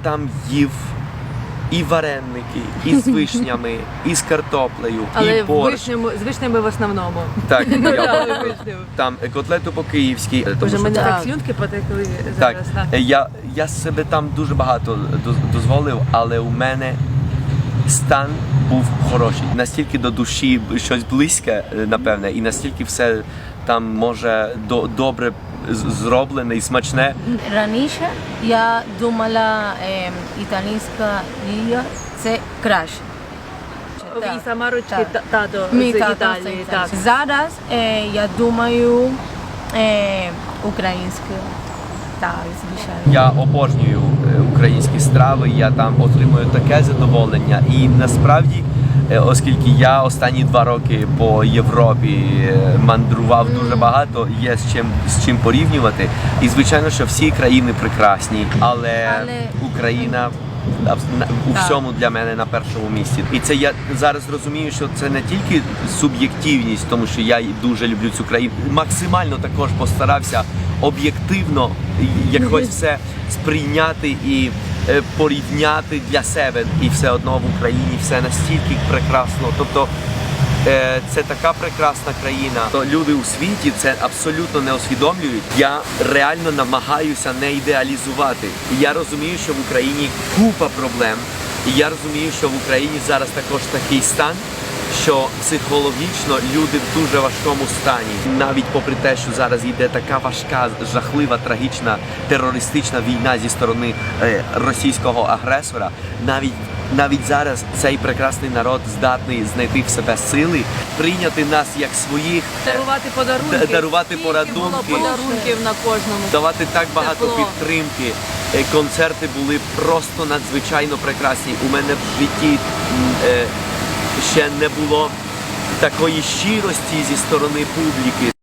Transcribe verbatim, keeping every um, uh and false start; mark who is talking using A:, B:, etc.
A: там їв і вареники, і з вишнями, і з картоплею,
B: Але
A: і борщ.
B: вишнями, з вишнями в основному.
A: Так, я
B: Вишнями.
A: там котлету по-київськи. тому
B: Боже,
A: що
B: мене
A: це-
B: так слюнки потекли
A: Так,
B: зараз. да.
A: я, я себе там дуже багато доз- дозволив, але у мене стан був хороший. Настільки до душі щось близьке, напевне, і настільки все там може до, добре з- зроблене і смачне.
C: Раніше я думала, е, італійська їжа – це краще.
B: І сама ручки
C: Так.
B: та- тато
C: Мій
B: з
C: тато
B: Італії.
C: з
B: Так.
C: Італії. Зараз е, я думаю е, українська, так, звичайно.
A: Я обожнюю е, українські страви, я там отримую таке задоволення. І насправді, е, оскільки я останні два роки по Європі е, мандрував дуже багато, є з чим з чим порівнювати. І звичайно, що всі країни прекрасні, але,
C: Але-
A: Україна а, в- на- у
C: Так.
A: всьому для мене на першому місці. І це я зараз розумію, що це не тільки суб'єктивність, тому що я дуже люблю цю країну. Максимально також постарався об'єктивно якось все сприйняти і е, порівняти для себе. І все одно в Україні все настільки прекрасно. Тобто е, це така прекрасна країна. То люди у світі це абсолютно не усвідомлюють. Я реально намагаюся не ідеалізувати. І я розумію, що в Україні купа проблем. І я розумію, що в Україні зараз також такий стан, що психологічно люди в дуже важкому стані. Навіть попри те, що зараз йде така важка, жахлива, трагічна терористична війна зі сторони е, російського агресора, навіть навіть зараз цей прекрасний народ здатний знайти в себе сили, прийняти нас як своїх,
B: Дарувати подарунки.
A: Д- дарувати
B: Скільки
A: подарунки.
B: було подарунків на кожному.
A: давати так багато
B: Тепло.
A: підтримки. Е, Концерти були просто надзвичайно прекрасні. У мене в житті м, е, ще не було такої щирості зі сторони публіки.